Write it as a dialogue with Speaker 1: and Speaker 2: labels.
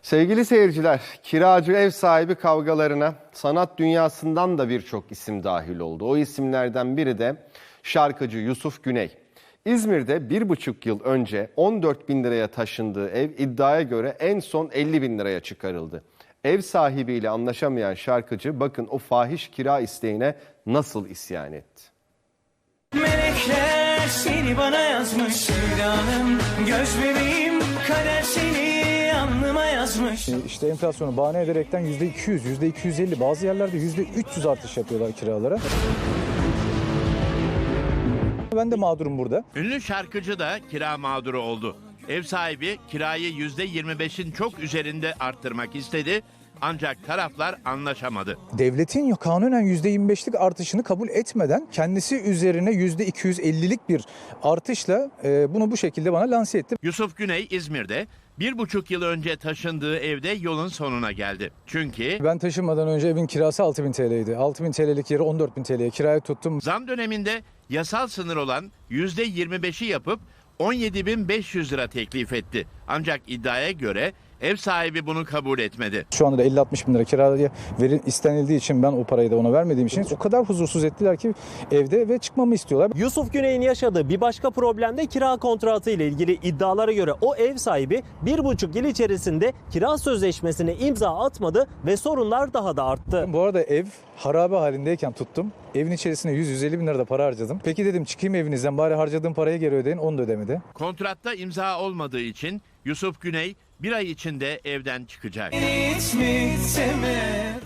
Speaker 1: Sevgili seyirciler, kiracı ev sahibi kavgalarına sanat dünyasından da birçok isim dahil oldu. O isimlerden biri de şarkıcı Yusuf Güney. İzmir'de 1,5 yıl önce 14 bin liraya taşındığı ev iddiaya göre en son 50 bin liraya çıkarıldı. Ev sahibiyle anlaşamayan şarkıcı bakın o fahiş kira isteğine nasıl isyan etti.
Speaker 2: Melekler seni bana yazmış Hüdanım, göz bebeğim, kader seni alnıma yazmış.
Speaker 3: İşte enflasyonu bahane ederekten %200, %250, bazı yerlerde %300 artış yapıyorlar kiralara. Ben de mağdurum burada.
Speaker 4: Ünlü şarkıcı da kira mağduru oldu. Ev sahibi kirayı %25'in çok üzerinde arttırmak istedi. Ancak taraflar anlaşamadı.
Speaker 3: Devletin kanunen %25'lik artışını kabul etmeden kendisi üzerine %250'lik bir artışla bunu bu şekilde bana lanse etti.
Speaker 4: Yusuf Güney İzmir'de 1,5 yıl önce taşındığı evde yolun sonuna geldi. Çünkü
Speaker 3: Ben taşınmadan önce evin kirası 6.000 TL'ydi. 6.000 TL'lik yeri 14.000 TL'ye kiraya tuttum.
Speaker 4: zam döneminde yasal sınır olan %25'i yapıp 17.500 lira teklif etti. Ancak iddiaya göre ev sahibi bunu kabul etmedi.
Speaker 3: Şu anda da 50-60 bin lira kiraya istenildiği için ben o parayı da ona vermediğim için o kadar huzursuz ettiler ki evde ve çıkmamı istiyorlar.
Speaker 5: Yusuf Güney'in yaşadığı bir başka problem de kira kontratı ile ilgili. İddialara göre o ev sahibi 1,5 yıl içerisinde kira sözleşmesine imza atmadı ve sorunlar daha da arttı.
Speaker 3: Bu arada ev harabe halindeyken tuttum. Evin içerisine 100-150 bin lira da para harcadım. Peki dedim çıkayım evinizden bari harcadığım parayı geri ödeyin, onu da ödemedi.
Speaker 4: Kontratta imza olmadığı için Yusuf Güney bir ay içinde evden çıkacak.
Speaker 2: Hiç mi sevme?